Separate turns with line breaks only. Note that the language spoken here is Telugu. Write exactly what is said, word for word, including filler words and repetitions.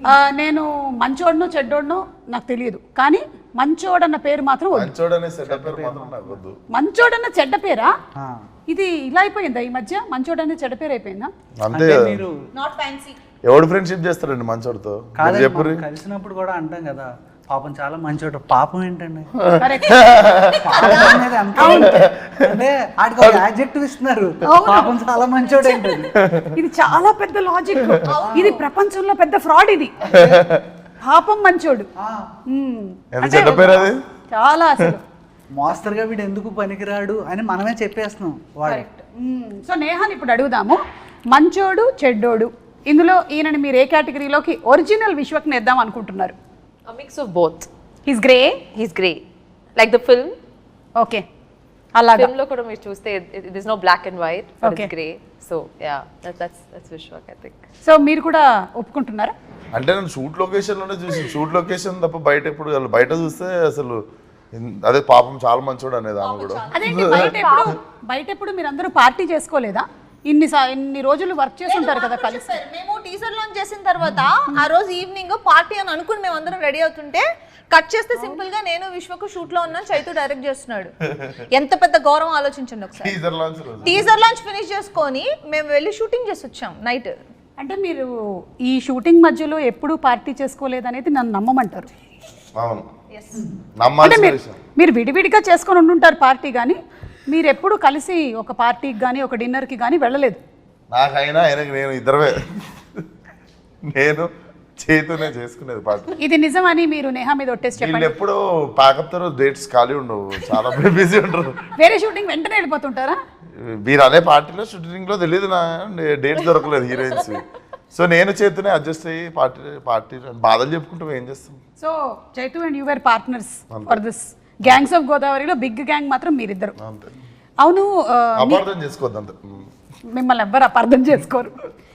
ఆ, నేను మంచోడును చెడ్డోడును నాకు తెలియదు, కానీ మంచోడన్న పేరు మాత్రం వద్దు.
మంచోడనే సెటప్ పేరు మాత్రం నాకు వద్దు.
మంచోడన్న చెడ్డ పేరా?
ఆ,
ఇది ఇలా అయిపోయిందా ఈ మధ్య? మంచోడన్న చెడ్డ పేరు అయిపోయిందా?
అంతే
అంటే
కదా.
మీరు
నాట్ ఫ్యాన్సీ.
ఎవడు ఫ్రెండ్షిప్ చేస్తారండి మంచోడితో?
కాదండి,
చెప్పు
మనం కలిసినప్పుడు కూడా అంటాం కదా పాపం చాలా మంచోడు. పాపం ఏంటండి?
కరెక్ట్.
పాపం అనేది అంతే. అంటే ఆడికి ఒక యాడ్జెక్టివ్ ఇస్తున్నారు, పాపం చాలా మంచోడు ఏంటండి?
ఇది చాలా పెద్ద లాజిక్. ఇది ప్రపంచంలో పెద్ద ఫ్రాడ్ ఇది. పాపం మంచోడు.
ఆ,
మ్మ్.
ఎంత చెడ్డ పేరు అది.
చాలా అసలు
మోస్తరుగా వీడు ఎందుకు పనికిరాడు అని మనమే చెప్పేస్తున్నాం వాడు.
కరెక్ట్. సో నేహాని ఇప్పుడు అడుగుదాము, మంచోడు చెడ్డోడు ఇందులో ఈయనని మీరు ఏ కేటగిరీలోకి ఒరిజినల్ విశ్వక్ నేద్దాం అనుకుంటున్నారు?
A mix of both.
He's grey.
He's grey. Like the film.
Okay, అలాగా.
Film lo kuda meer chuste there's no black and white, but
Okay.
it's grey. So yeah, that, that's that's Vishwak, I think.
So మీరు కూడా ఒప్పుకుంటున్నారా?
అంటే నేను షూట్ లొకేషన్ లోనే చూసి, షూట్ లొకేషన్ తప్ప బయట ఎప్పుడు వెళ్ళను. బయట చూస్తే అసలు ఇన్- అదే పాపం చాలా మంచోడు అనేది ఆమె కూడా.
అదేంటి బయట ఎప్పుడు బయట ఎప్పుడు మీరు అందరూ పార్టీ చేసుకోలేదా? ఇన్ని సా- ఇన్ని రోజులు వర్క్ చేసి ఉంటారు కదా కలిసి.
చెప్పారు. మేము టీజర్ లాంచ్ చేసిన తర్వాత ఆ రోజు ఈవినింగ్ పార్టీ అని అనుకుని మేము అందరం రెడీ అవుతుంటే కట్ చేస్తే సింపుల్ గా నేను విశ్వకు షూట్ లో ఉన్నాను, చైతు డైరెక్ట్ చేస్తున్నాడు. ఎంత పెద్ద గౌరవం ఆలోచించండి ఒకసారి.
టీజర్ లాంచ్ రోజు
టీజర్ లాంచ్ ఫినిష్ చేసుకొని మేము వెళ్ళి షూటింగ్ చేసి వచ్చాం నైట్.
అంటే మీరు ఈ షూటింగ్ మధ్యలో ఎప్పుడూ పార్టీ చేసుకోలేదనేది నన్ను నమ్మమంటారు.
అవును,
అంటే
నమ్మాల్సిన
మీరు
విషయం.
మీరు విడివిడిగా చేసుకొని ఉండుంటారు పార్టీ, కానీ మీరు ఎప్పుడు కలిసి ఒక పార్టీకి కానీ ఒక డిన్నర్కి కానీ వెళ్ళలేదు.
నాకైనా ఆయనకి నేను ఇద్దరమే, నేను చేతునే చేసుకునేది పార్టీ.
ఇది నిజమని మీరు నేహా మీద ఒట్టేసి
వీళ్ళు
చెప్పండి.
ఎప్పుడు ప్యాకప్ తో డేట్స్ ఖాళీ ఉండవు, చాలా బిజీ ఉంటారు.
వేరే షూటింగ్ వెంటనే వెళ్ళిపోతుంటారా?
మీరు అనే పార్టీలో షూటింగ్ లో తెలియదు నా డేట్స్ దొరకలేదు హీరోయిన్స్. సో నేను చేతునే అడ్జస్ట్ అయ్యి పార్టీ పార్టీ బాధలు చెప్పుకుంటూ ఏం చేస్తాం.
So Chaitu and you were partners for this gangs of గోదావరిలో బిగ్ గ్యాంగ్ మాత్రం మీరిద్దరు.
అంతే,
అవును, ఆ, మీ-
అపార్థం చేసుకోవద్దు అంతే.
మిమ్మల్ని ఎవ్వరు అపార్థం చేసుకోరు.